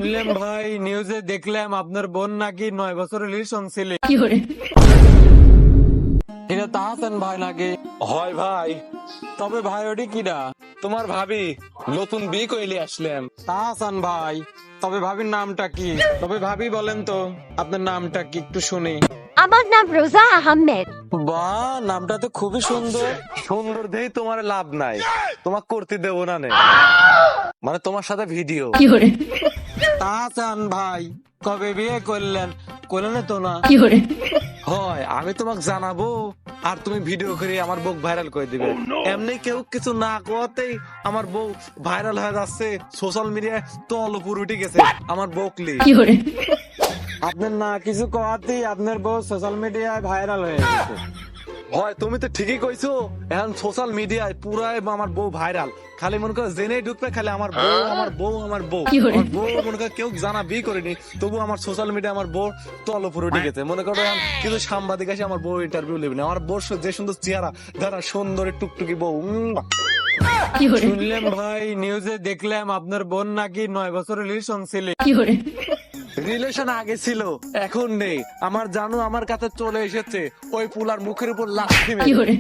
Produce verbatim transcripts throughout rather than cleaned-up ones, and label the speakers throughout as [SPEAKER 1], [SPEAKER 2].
[SPEAKER 1] শুনলাম ভাই, নিউজে দেখলাম আপনার বোন নাকি নয় বছর রিলেশন ছিল। এটা তাহসান ভাই নাকি?
[SPEAKER 2] হয় ভাই,
[SPEAKER 1] তবে ভাই ওটি কিনা?
[SPEAKER 2] তোমার ভাবি নতুন বিয়ে কইলে আসলাম।
[SPEAKER 1] তাহসান ভাই, তবে ভাবির নামটা কি? তবে ভাবি বলেন তো আপনার নামটা কি, একটু শুনি।
[SPEAKER 3] আমার নাম রোজা আহমেদ।
[SPEAKER 1] বাহ, নামটা তো খুবই সুন্দর।
[SPEAKER 2] সুন্দর দেই তোমার লাভ নাই, তোমাক করতে দেবো না নে। মানে তোমার সাথে ভিডিও।
[SPEAKER 1] তাহসান ভাই, কবে বিয়ে করলেন? করলেন তো না?
[SPEAKER 2] হয়, আমি তোমাকে জানাবো আর তুমি ভিডিও করে আমার বউ ভাইরাল করে দিবে। এমনি কেউ কিছু না কোয়াতেই আমার বউ ভাইরাল হয়ে যাচ্ছে, সোশ্যাল মিডিয়ায় তল উপর উঠে গেছে আমার বউকলি।
[SPEAKER 1] আপনার না কিছু কওয়াতেই আপনার বউ সোশ্যাল মিডিয়ায় ভাইরাল হয়ে গেছে।
[SPEAKER 2] হয়, তুমি তো ঠিকই কইছো, এখন সোশ্যাল মিডিয়ায় পুরাই আমার বউ ভাইরাল। খালি মনে করো জেনেই ঢুকবে খালি আমার বউ আমার বউ আমার বউ আমার বউ মনে করো কেউ জানা বিয়ে করেনি, তবু আমার সোশ্যাল মিডিয়া আমার বউ তল উপর উঠে গেছে। মনে করো এখন কিন্তু সাংবাদিক আসে আমার বউ ইন্টারভিউ নেবে না। আমার বউ যে সুন্দর চেহারা, ধারা সুন্দর টুকটুকি বউ। উম,
[SPEAKER 1] শুনলাম ভাই, নিউজে দেখলাম আপনার বোন নাকি নয় বছর রিলেশন ছিল।
[SPEAKER 2] রিলেশন আগে ছিল, এখন নেই। আমার জানো আমার কাছে চলে এসেছে ওই পুলার মুখের উপর লাথি মেরে।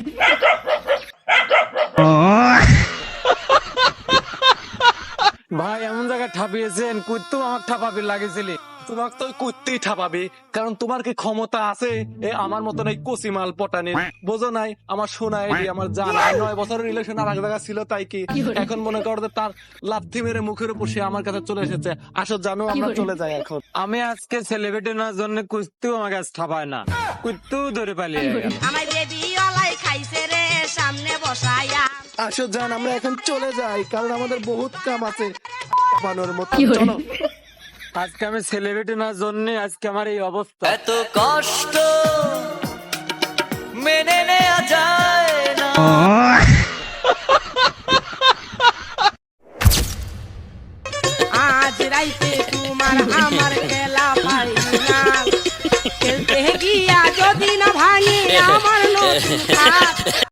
[SPEAKER 1] ভাই এমন জায়গায় ঠাপিয়েছেন, কুত্তু আমার ঠাপাবি লাগেছিল।
[SPEAKER 2] তোমাকে তো কুত্তি ঠাপাবি, কারণ তোমার কি ক্ষমতা আছে এ আমার মতন এই কচি মাল পটানির? বোঝো নাই আমার শোনা এটি আমার জানা নয় বছরের রিলেশন আর এক জায়গা ছিল, তাই কি এখন মনে করো যে তার লাথি মেরে মুখের উপর সে আমার কাছে চলে এসেছে। আসো জানো আমরা চলে যাই এখন।
[SPEAKER 1] আমি আজকে সেলিব্রিটি না জন্য কুত্তু আমার কাছে ঠাপায় না, কুত্তু ধরে পালিয়ে গেল।
[SPEAKER 4] আমার বেবি ওলাই খাইছে রে সামনে বসায়া।
[SPEAKER 2] আসো জান আমরা এখন চলে যাই, কারণ আমাদের বহুত কাম আছে বানোর মতো। চলো,
[SPEAKER 1] আজকে আমি সেলিব্রিটি না জন্য আজকে আমার এই অবস্থা।
[SPEAKER 5] এত কষ্ট মেনে নেওয়া যায় না।
[SPEAKER 4] আজ রাইতে তোমার আমার খেলা ফাইনাল, খেলতে গিয়া যদি না ভাঙে আমার নতুন